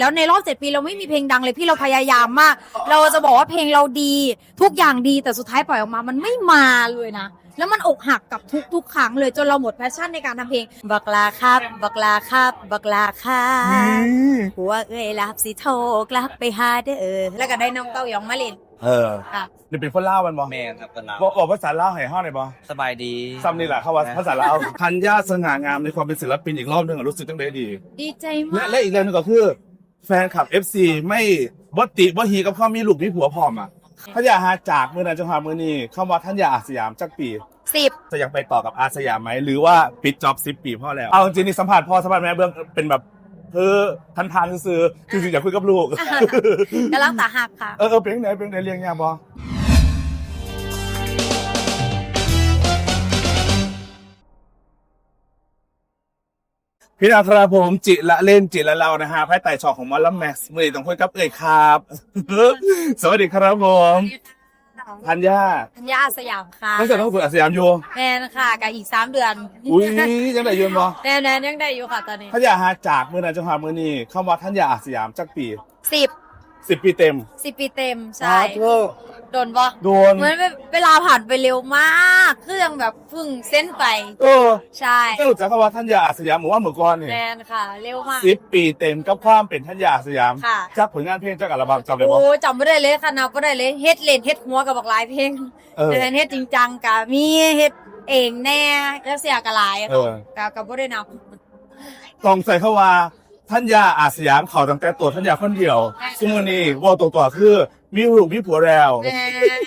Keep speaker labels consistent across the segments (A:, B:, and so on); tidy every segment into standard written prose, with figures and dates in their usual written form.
A: แล้วในรอบ7 ปีเราไม่มีเพลงดังเลยพี่เราพยายามมากเราจะบอกว่าเพลงเราดีทุกอย่างดีแต่สุดท้ายปล่อยออกมามันไม่มาเลยนะแล้วมันอกหักกับทุกครั้งเลยจนเราหมดแพชชั่นในการทำเพลงบักลาครับบักลาครับบักลาครับหัวเอ้ยลับสิโทรกลับไปหาเด้อแล้วก็ได้น้องเต้ายองมาเล่นค่ะ
B: นี่เป็นคนเล่ามันบ่
C: แม่ครับกันแล้ว
B: บอกภาษาเล่าให้ห้องหน่อยบ่
C: สบายดี
B: ซ้ำนี่แหละเขาว่าภาษาเล่าธัญญาสง่างามในความเป็นศิลปินอีกรอบนึงรู้สึกตั้งแต่ดี
A: ดีใจ
B: และ
A: มาก
B: และอีกเรื่องนึงก็คือแฟนคลับ FC ไม่บ่ติบ่ฮีกับความมีลูกมีผัวพร้อมอ่ะท่านอยากหาจากมื้อนั้นจนหามื้อนี้คำว่าท่านอยากอาสยามจักปี
A: 10
B: จะยังไปต่อกับอาสยามไหมหรือว่าปิดจ็อบ10 ปีพ่อแล้วเอาจริงๆนี่สัมภาษณ์พ่อสัมภาษณ์แม่เบื้องเป็นแบบทานซื้อจริงๆอยากคุยกับลูก
A: กำลังตาหักค่ะ
B: เป็นไหนเรียงยากบ่พี่นาธราผมจิละเล่นจิละเรานะฮะภายใต้ช่องของมอลล์แม็กซ์มือต้องคุยกับครับ สวัสดีครับผมธัญญา
A: ธัญญาอาสยามค่ะ
B: ตั้งแต่ต้องฝึกอาสยามอยู่
A: แมนค่ะกับอีก3 เดือน
B: อุ้ยยังได้ยืนบ่
A: แนนยังได้อยู่ค่ะตอนนี้
B: ธัญญาหาจากมือนั้นจนหามือนี้คำว่าธัญญาอาสยามจักปี
A: 10
B: ปีเต็ม
A: ปีเต็มใช่
B: เธอ
A: โดนบ่
B: โดน
A: เหมือนเวลาผ่านไปเร็วมากคือยังแบบเพึ่งเส้นไป ใช่
B: ก็รู้จักคำว่าธัญญาอาสยามเหมือนว่าเมื่อก่อนนี่
A: แมนค่ะ เร็วมาก
B: 10 ปีเต็มกับความเป็นธัญญาอาสยาม
A: ค่ะ
B: จากผลงานเพลงจากอัลบั้มจำได้บ่
A: โอ้จำไม่ได้เลยค่ะนับไม่ได้เลยเฮ็ดเล่นเฮ็ดหัวกับบักหลายเพลงแต่เฮ็ดจริงจังกับมีเฮ็ดเองแน่แล้วเสียกับหลายกับบ่ได้นับ
B: ต้องใส่เข้าว่าธัญญาอาสยามเขาตั้งแต่ตัวธัญญาคนเดียวซึ่งวันนี้ว่าตัวคือมีลูกมีผัวแล้ว
A: แม่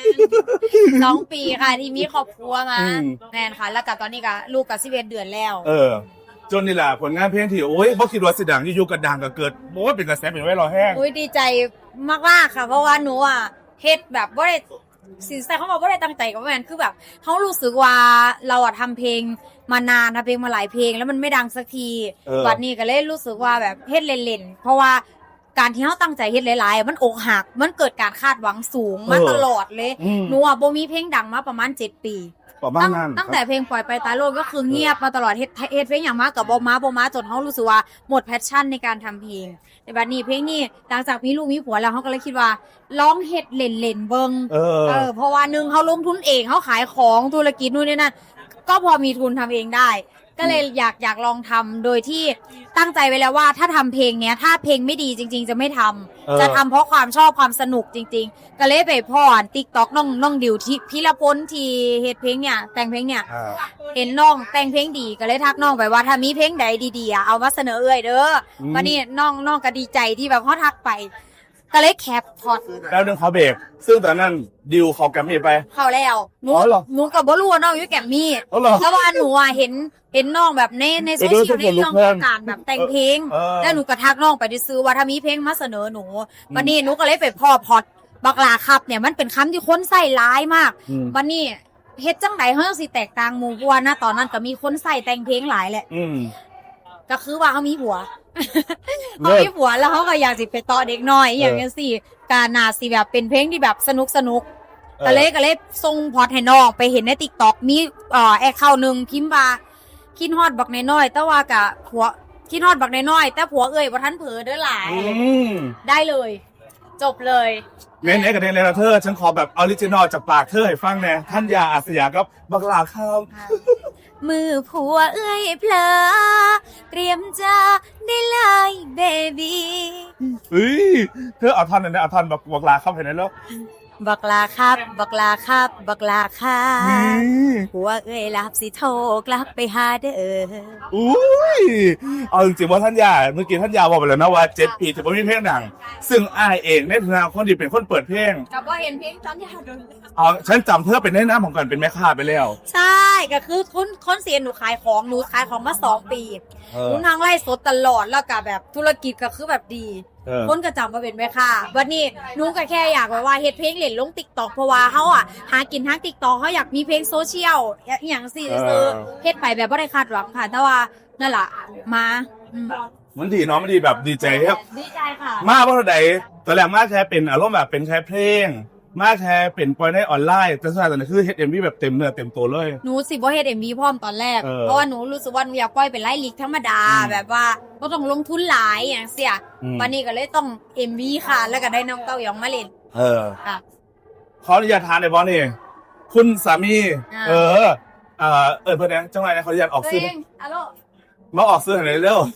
A: 2 ปีค่ะที่มีครอบครัวมา
B: อืม
A: แม่นค่ะ แล้วก็ตอนนี้ก็ลูกก็11 เดือนแล้ว
B: จนนี่แหละผลงานเพลงที่โอ้ยบ่คิดว่าสิดังอยู่ๆก็ดังก็เกิดโอ้ยเป็นกระแสเป็นไว้รอแห้ง
A: อุ้ยดีใจมากๆค่ะ เพราะว่าหนูอ่ะเฮ็ดแบบบ่ได้สินใจเขาบอกบ่ได้ตั้งใจกับแม่นคือแบบเขารู้สึกว่าเราอ่ะทำเพลงมานานทำเพลงมาหลายเพลงแล้วมันไม่ดังสักทีวันนี้ก็เลยรู้สึกว่าแบบเฮ็ดเล่นๆเพราะว่าการที่เขาตั้งใจเฮ็ดหลายๆมันอกหักมันเกิดการคาดหวังสูงมาตลอดเลยหนูอ่ะบ่มีเพลงดังมาประมาณ7 ปี
B: ประมาณนั้น
A: ตั้งแต่เพลงปล่อยไปตายโลกก็คือเงียบมาตลอดเฮ็ดเพลงอย่างมากกับบ่มาจนเขารู้สึกว่าหมดแพชชั่นในการทำเพลงแต่บัดนี้เพลงนี้หลังจากมีลูกมีผัวแล้วเขาก็เลยคิดว่าร้องเฮ็ดเล่นๆเบิ่งเพราะว่าหนึ่งเขาลงทุนเองเขาขายของธุรกิจนู่นนี่นั่นก็พอมีทุนทำเองได้ ก็เลยอยากลองทำโดยที่ตั้งใจไว้แล้วว่าถ้าทำเพลงเนี้ยถ้าเพลงไม่ดีจริงๆจะไม่ทำจะทำเพราะความชอบความสนุกจริงๆก็เลยไปพ่อTikTok น้องดิวที่พิรพลที่เฮ็ดเพลงเนี่ยแต่งเพลงเนี่ยเห็นน้องแต่งเพลงดีก็เลยทักน้องไปว่าถ้ามีเพลงใดดีๆเอามาเสนอเอ้ยเด้อวันนี้น้องก็ดีใจที่แบบเขาทักไปก็เลยแคปพอด
B: แล้วเรื่องเขาเบรกซึ่งตอนนั้นดิวเขาแกรมมี่ไป
A: เข้าแล้วหนู
B: อ๋อเหรอ
A: หนูกับบ่รู้ว่าน้องอยู่แกมมี่
B: อ๋อเหรอ
A: เพราะว่าหนูอ่ะเห็นน้องแบบในโซเชียลในเรื่องของการแบบแต่งเพลงแล้วหนูก็ทักน้องไปซื้อว่าถ้ามีเพลงมาเสนอหนูวันนี้หนูก็เลยไปพ่อพอดบักลาครับเนี่ยมันเป็นคำที่คนใส่ร้ายมากวันนี้เฮ็ดจังไดเฮาสิแตกต่างหมู่เพราะว่าณตอนนั้นก็มีคนใส่แต่งเพลงหลายแหละก็คือว่าเขามีผัว เขามีผัวแล้วเขาก็อยากสิไปต่อเด็กน้อยอย่างนี้สิการน่าสิแบบเป็นเพลงที่แบบสนุกก็เลยส่งพอดให้น้องไปเห็นใน TikTok มีแอคเคาท์นึงพิมพ์ว่าคิดฮอดบักน้อยๆแต่ว่ากะผัวคิดฮอดบักน้อยๆแต่ผัวเอ้ยบ่ทันเผลอเด้อหลายได้เลย จบเลย
B: เน้นเอกเน้นเลยนะเธอฉันขอแบบออริจินอลจากปากเธอให้ฟังแน่ธัญญาอาสยามกับบักลาครับ
A: มือผัวเอ้ยเพลอเตรียมจะได้เลยเบบี้
B: เฮ้ยเธอเอาท่อนนั้นนะเอาท่อนบักลาครับเห็นไหมแล้ว
A: บักลาครับบักลาครับบักลาครับผัวเอ้ยลับสิโทรกลับไปหาเด้อ
B: อุ้ยเอาจริงๆว่าธัญญาเมื่อกี้ธัญญาบอกไปแล้วนะว่า7 ปีจะไม่มีเพลงดังซึ่งอ้ายเองในฐานะคนที่เป็นคนเปิดเพลง
A: กับว่าเห็นเพลงตอนยาโดน
B: ฉันจำเธอเป็นแนะนำของกันเป็นแม่ค้าไปแล้ว
A: ใช่ก็คือคนเสียหนูขายของมา2 ปีหนูทางไล่สดตลอดแล้วก็แบบธุรกิจก็คือแบบดีคนก็จำมาเป็นแม่ค้าวันนี้หนูก็แค่อยากว่าเฮ็ดเพลงเล่นลง TikTok เพราะว่าเฮาอ่ะหากินทาง TikTok เฮาอยากมีเพลงโซเชียลอย่างสิซื้อเฮ็ดไปแบบบ่ได้คาดหวังค่ะแต่ว่านั่นล่ะมา
B: มันดีเนาะมันดีแบบดีใจครับ
A: ดีใจค่ะ
B: มากเพราะใดตอนแรกมากแค่เป็นอารมณ์แบบเป็นแค่เพลงมาแค่เป็นปล่อยในออนไลน์แต่สุดท้ายตอนนี้คือเฮ็ด MV แบบเต็มเนื้อเต็มตัวเลย
A: หนูสิบ่เฮ็ด MV พร้อมตอนแรก เพราะว่าหนูรู้สึกว่าหนูอยากปล่อยเป็นไลฟ์ลิกธรรมดาแบบว่าบ่ต้องลงทุนหลายอย่างเสียวันนี้ก็เลยต้อง MV ค่ะ แล้วก็ได้น้องเต้ายองมาเล่น ค่ะ
B: ขออนุญาตทานในบอสนี่คุณสามี
A: อ่า
B: เพื่อนนะจังไรนะขออนุญาตออก
A: ตัว
B: ซื้อ
A: เองอะโล
B: มาออกซื้อหน่อยเร็ว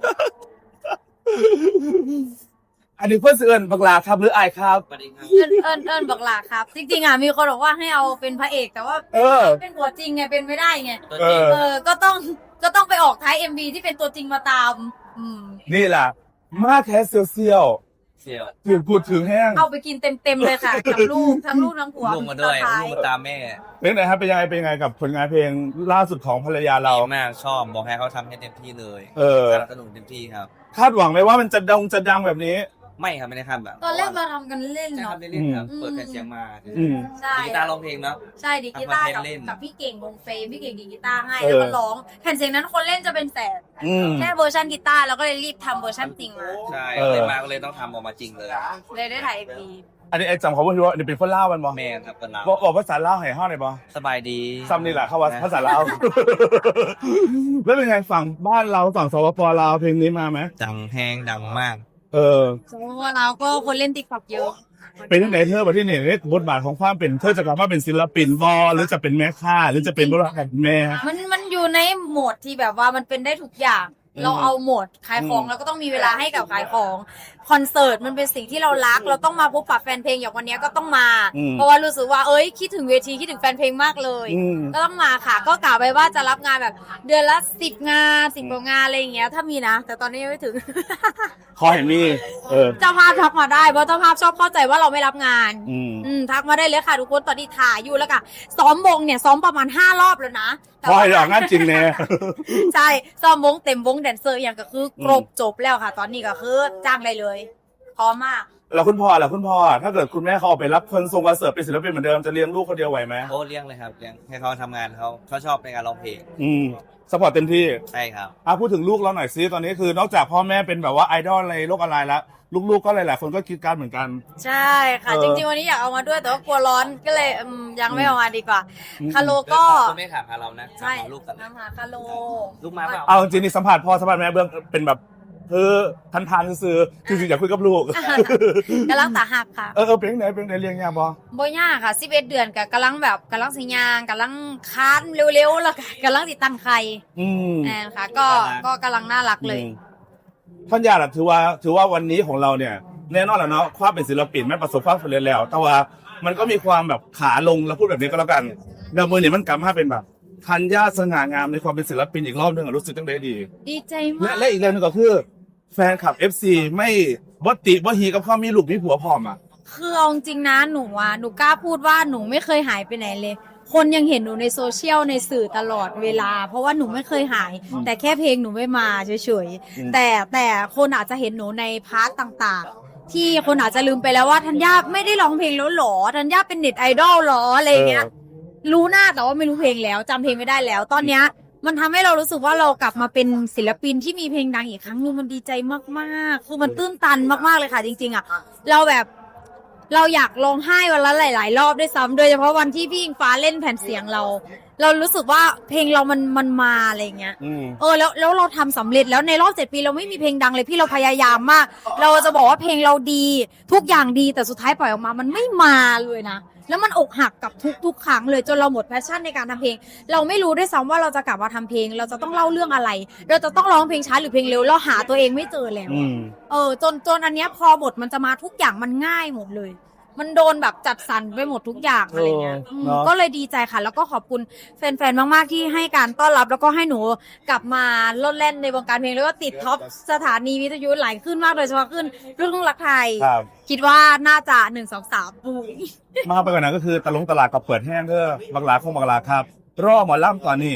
B: อันนี้เพื่อนเสื่อนบักลาครับหรืออายครับ
C: สวัสดีครับ
A: เอิ้นบอกหลาครับ จริงๆอ่ะมีคนบอกว่าให้เอาเป็นพระเอกแต่ว่า เป็นตัวจริงไงเป็นไม่ได้ไง
C: ตัวจริง
A: ก็ต้องไปออกท้าย MV ที่เป็นตัวจริงมาตาม
B: นี่แหละมาแค่เซียว
C: เสี่ยว
B: ๆถึงพูดถึงแห้ง
A: เอาไปกินเต็มๆเลยค่ะ กับลูกทั้งลูกทั้งผัว
C: ลูกมาด้วย
A: ท้า
C: ลูกมาตามแม่
B: เป็นไงครับเป็นยังไงกับผลงานเพลงล่าสุดของภรรยาเรา
C: ดีมากชอบบอกให้เขาทำให้เต็มที่เลย สนับสนุนเต็มที่ครับ
B: คาดหวังไหมว่ามันจะดังแบบนี้
C: ไม่ครับไม่ได้คาดแบบ
A: ตอนแรกเราทำกันเล่น
C: ใช่ครั
A: เนาะ
C: บเล่นๆครับเปิดแผ่นเสียงมา
B: อืม
A: ใช่
C: กีตาร์ร้องเพลงเนาะ
A: ใช่ดีกีตาร์
C: ทำคอนเทนต์เล่น
A: กับพี่เก่งวงเฟรมพี่เก่งดีกีตาร์ให้แล้วก็ร้องแผ่นเสียงนั้นคนเล่นจะเป็นแสน
B: อืม
A: แค่เวอร์ชันกีตาร์เราก็เลยรีบทำเวอร์ชันจริงมา
C: ใช่
B: เออ
C: เลยมาก็เลยต้องทำออกมาจริงเลย
A: เลยได้ถ่าย MV
B: อันนี้ไอ้จำเขาพูดว่านี่เป็นคนเล่าวมันบอ
C: แม่ครับเป็นเรา
B: บอกภาษาเล่าวให้ห้องหน่อยบอ
C: สบายดี
B: ซ้ำนี่แหละเข้าว่าภาษาลาว แล้วเป็นไงฝั่งบ้านเราฝั่งสปปลาวเพลงนี้มาไหม
C: ดังแห้งดังมาก
B: เออ
A: สมมติว่าเราก็คนเล่นติ๊กต็อกเยอะ
B: เป็นที่ไหนเธอประเทศไหนเนี่ยบทบาทของความเป็นเธอจะกลับมาเป็นศิลปินบอหรือจะเป็นแม่ค้าหรือจะเป็นบริษัทแม่
A: มันอยู่ในโหมดที่แบบว่ามันเป็นได้ทุกอย่าง เราเอาโหมดขายของ
B: อืม
A: เราก็ต้องมีเวลาให้กับขายของคอนเสิร์ตมันเป็นสิ่งที่เรารัก เราต้องมาพบปะแฟนเพลงอย่างวันนี้ก็ต้องมา เพราะว่ารู้สึกว่าเอ้ยคิดถึงเวทีคิดถึงแฟนเพลงมากเลย
B: อืม
A: ก็ต้องมาค่ะ ก็กล่าวไปว่าจะรับงานแบบเดือนละ10 งาน10 กว่างานอะไรอย่างเงี้ยถ้ามีนะ แต่ตอนนี้ยังไม่ถึง
B: ขอเห็นมี
A: เจ้าภาพทักมาได้เพราะเจ้าภาพชอบเข้าใจว่าเราไม่รับงาน
B: อืม
A: ทักมาได้เลยค่ะทุกคนตอนนี้ถ่ายอยู่แล้วค่ะซ้อมวงเนี่ยซ้อมประมาณ5 รอบแล้วนะแต่
B: ขอ
A: ว่า
B: ให้ออกงานจริงแน่
A: ใช่ซ้อมวงเต็มวงแดนเซอร์อย่างก็คือครบจบแล้วค่ะ ตอนนี้ก็คือจ้างได้เลยพร้อมมาก
B: แล้วคุณพ่อถ้าเกิดคุณแม่เขาออกไปรับคนทรงคอนเสิร์ตเป็นศิลปินเหมือนเดิมจะเลี้ยงลูกคนเดียวไหวไหม
C: โอ้เลี้ยงเลยครับเลี้ยงให้เขาทำงานเขาชอบในการร้องเพลง
B: สปอร์ตเต็มที่
C: ใช่ครับ
B: พูดถึงลูกเราหน่อยซิตอนนี้คือนอกจากพ่อแม่เป็นแบบว่าไอดอลในโลกออนไลน์แล้วลูกๆก็หลายๆคนก็คิดการเหมือนกัน
A: ใช่ค่ะ จริงๆวันนี้อยากเอามาด้วยแต่ว่ากลัวร้อนก็เลยยังไม่เอามาดีกว่าคาโลก็
C: คุณแม่ถามหาเรานะ
A: ใช่
C: ถามหาลูกกัน
A: น้ำหาคาโล
C: ลูกมาเปล่า
B: เอาจริงๆนี่สัมผัสพ่อสัมผัสแม่เบื้องเป็นแบบทันซื้อจริงๆอยากคุยกับลูก
A: กำลังตาหักค่ะ
B: เป็นไหนเลี้ยงยากบ่
A: บ่ยากค่ะ11 เดือนกับกำลังสิยางกำลังค้านเร็วๆแล้วก็กำลังติดตั้งไข่ แอนค่ะก็กำลังน่ารักเลย
B: ท่านญาติถือว่าวันนี้ของเราเนี่ยแน่นอนแล้วเนาะความเป็นศิลปินไม่ประสบความสำเร็จแล้ว แต่ว่ามันก็มีความแบบขาลงแล้วพูดแบบนี้ก็แล้วกันแล้วมือเนี่ยมันกลับมาเป็นแบบทันญาสง่างามในความเป็นศิลปินอีกรอบนึงอะรู้สึกตั้งแต่ดี
A: ดีใจ
B: และ
A: มาก
B: และอีกเรื่องหนึงก็คือแฟนคลับ FC ไม่บ่ติบ่ฮีกับความมีลูกมีผัวพร้อมอ่ะ
A: คือเอาจริงๆนะหนูกล้าพูดว่าหนูไม่เคยหายไปไหนเลย คนยังเห็นหนูในโซเชียลในสื่อตลอดเวลา เพราะว่าหนูไม่เคยหาย แต่แค่เพลงหนูไม่มาเฉยๆแต่คนอาจจะเห็นหนูในพาร์ทต่างๆ ที่คนอาจจะลืมไปแล้วว่าธัญญาไม่ได้ร้องเพลงแล้วหรอธัญญาเป็นเน็ตไอดอลหรออะไรอย่างเงี้ย รู้หน้าแต่ว่าไม่รู้เพลงแล้วจำเพลงไม่ได้แล้ว ตอนเนี้ยมันทำให้เรารู้สึกว่าเรากลับมาเป็นศิลปินที่มีเพลงดังอีกครั้งนึงมันดีใจมากๆคือมันตื้นตันมากๆเลยค่ะ จริงๆอ่ะเราอยากร้องไห้วันละหลายๆรอบด้วยซ้ำโดยเฉพาะวันที่พี่อิงฟ้าเล่นแผ่นเสียงเรารู้สึกว่าเพลงเรามันมาอะไรอย่างเงี้ยแล้วเราทำสำเร็จแล้วในรอบ7 ปีเราไม่มีเพลงดังเลยพี่เราพยายามมาก เราจะบอกว่าเพลงเราดีทุกอย่างดีแต่สุดท้ายปล่อยออกมามันไม่มาเลยนะแล้วมันอกหักกับทุกครั้งเลยจนเราหมดแพชชั่นในการทำเพลง เราไม่รู้ด้วยซ้ำว่าเราจะกลับมาทำเพลง เราจะต้องเล่าเรื่องอะไร เราจะต้องร้องเพลงช้าหรือเพลงเร็วเราหาตัวเองไม่เจอแล้วจนอันเนี้ยพอบทมันจะมาทุกอย่างมันง่ายหมดเลย มันโดนแบบจัดสรรไปหมดทุกอย่างอะไรเงี้ยก็เลยดีใจค่ะ แล้วก็ขอบคุณแฟนๆมากๆที่ให้การต้อนรับแล้วก็ให้หนูกลับมาโลดแล่นในวงการเพลงแล้วก็ติดท็อปสถานีวิทยุหลายขึ้นมากโดยเฉพาะขึ้นเรื่องรักไทย คิดว่าน่าจะ1 2 3ปุ้ย
B: มาไปกว่านั้นก็คือตลาดกับเปิดแห้งเด้อบักหลาครับรอหมอลำตอนนี้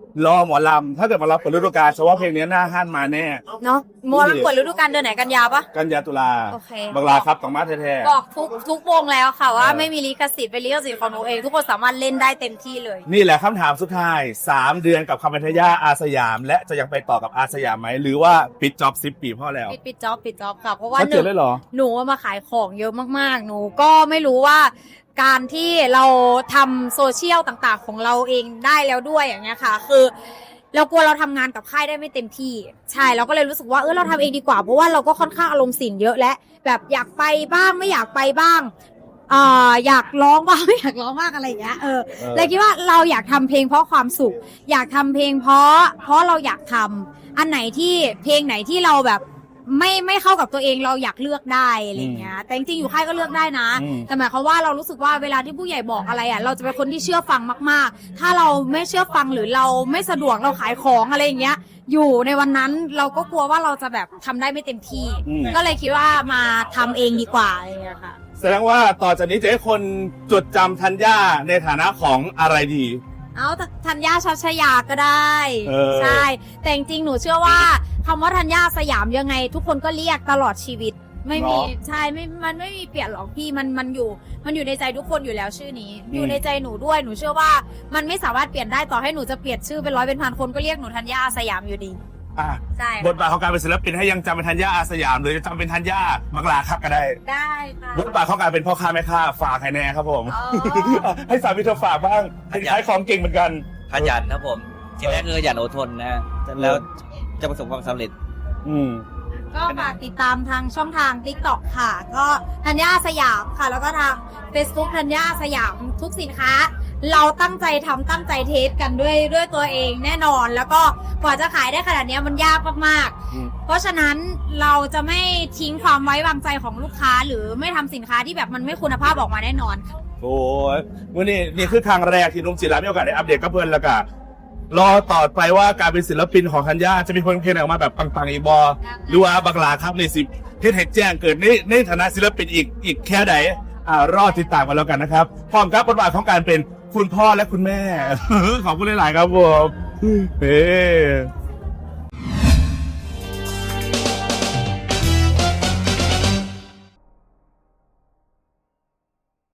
B: รอหมอลำถ้าเกิดหมารับเปิดฤดูกาลเฉพาะเพลงนี้หน้าห้านมาแน่
A: เนาะมัวมันเปิดฤดูกาลเดือนไหนกันยาปะ
B: กันยาตุลา
A: โอเค
B: บังลาครับต้องมาแท้
A: บอกทุกวงแล้วค่ะว่า
B: เออ
A: ไม่มีลิขสิทธิ์เป็นลิขสิทธิ์ของหนูเอง ทุกคนสามารถเล่นได้เต็มที่เลย
B: ๆนี่แหละคำถามสุดท้าย 3 เดือนกับคำบรรทยาอาสยาม และจะยังไปต่อกับอาสยามไหมหรือว่าปิดจ็อบ10 ปีพ่อแล้ว
A: ปิดจ็อบค่ะเพราะว่า
B: ชัด
A: ห
B: เจ
A: นึ่
B: น
A: ง
B: เลยเหรอ
A: หนูมาขายของเยอะมากๆ หนูก็ไม่รู้ว่าการที่เราทำโซเชียลต่างๆของเราเองได้แล้วด้วยอย่างเงี้ยค่ะ คือเรากลัวเราทำงานกับค่ายได้ไม่เต็มที่ใช่เราก็เลยรู้สึกว่าเราทำเองดีกว่าเพราะว่าเราก็ค่อนข้างอารมณ์สินเยอะและแบบอยากไปบ้างไม่อยากไปบ้างอยากร้องบ้างไม่อยากร้องบ้างอะไรอย่างเงี้ยเลยคิดว่าเราอยากทำเพลงเพราะความสุข อยากทำเพลงเพราะเราอยากทำอันไหนที่เพลงไหนที่เราแบบไม่เข้ากับตัวเองเราอยากเลือกได้อะไรเงี้ยแต่จริงๆอยู่ค่ายก็เลือกได้นะ แต่หมายความว่าเรารู้สึกว่าเวลาที่ผู้ใหญ่บอกอะไรเราจะเป็นคนที่เชื่อฟังมากๆถ้าเราไม่เชื่อฟังหรือเราไม่สะดวกเราขายของอะไรอย่างเงี้ยอยู่ในวันนั้นเราก็กลัวว่าเราจะแบบทำได้ไม่เต็มที่ ก็เลยคิดว่ามาทำเองดีกว่าอะไรเงี้ยค่ะ
B: แสดงว่าต่อจากนี้จะให้คนจดจำธัญญาในฐานะของอะไรดี
A: เอาธัญญาชัชยาก็ได้ ใช่ แต่จริงๆหนูเชื่อว่าคำว่าธัญญาสยามยังไง ทุกคนก็เรียกตลอดชีวิต ไม่มี
B: เนาะ
A: ใช่มันไม่มีเปลี่ยนหรอกพี่มันอยู่ในใจทุกคนอยู่แล้วชื่อนี้ อยู่ในใจหนูด้วยหนูเชื่อว่ามันไม่สามารถเปลี่ยนได้ต่อให้หนูจะเปลี่ยนชื่อเป็นร้อยเป็นพันคนก็เรียกหนูธัญญาสยามอยู่ดี
B: อ่ะ
A: ใช่
B: บทบาทของการเป็นศิลปินให้ยังจำเป็นธัญญาอาสยามหรือจะจำเป็นธัญญาบังลาครับก็ได้
A: ได้ค่ะ
B: บทบาทของการเป็นพ่อค้าแม่ค้าฝากให้แน่ครับผม
A: อ๋อ
B: ให้สามีเธอฝากบ้างขายของเก่งเหมือนกัน
C: ขยันครับผมสิ่งแรกคือขยันอดทนนะแล้วจะประสบความสำเร็จ
B: อืม
A: ก็ฝากติดตามทางช่องทาง TikTok ค่ะ ก็ธัญญาสยามค่ะ แล้วก็ทาง Facebook ธัญญาสยามทุกสินค้า เราตั้งใจทำตั้งใจเทสกันด้วยตัวเองแน่นอน แล้วก็กว่าจะขายได้ขนาดนี้มันยากมาก
B: อืม
A: ๆ เพราะฉะนั้นเราจะไม่ทิ้งความไว้วางใจของลูกค้า หรือไม่ทำสินค้าที่แบบมันไม่คุณภาพออกมาแน่นอนค่ะ
B: โอ้ยวันนี้นี่คือครั้งแรกที่นุ่มจิรามีโอกาสได้อัปเดตกับเพื่อนแล้วก็รอต่อไปว่าการเป็นศิลปินของธัญญาจะมีเพลงออกมาแบบปังๆอีกบอหรือว่าบักลาครับในสิเทศแจ้งเกิดในฐานะศิลปินอีกแค่ไหนรอติดตามกันแล้วกันนะครับพร้อมกับบทบาทของการเป็นคุณพ่อและคุณแม่ ขอบคุณหลายๆครับผมเฮ้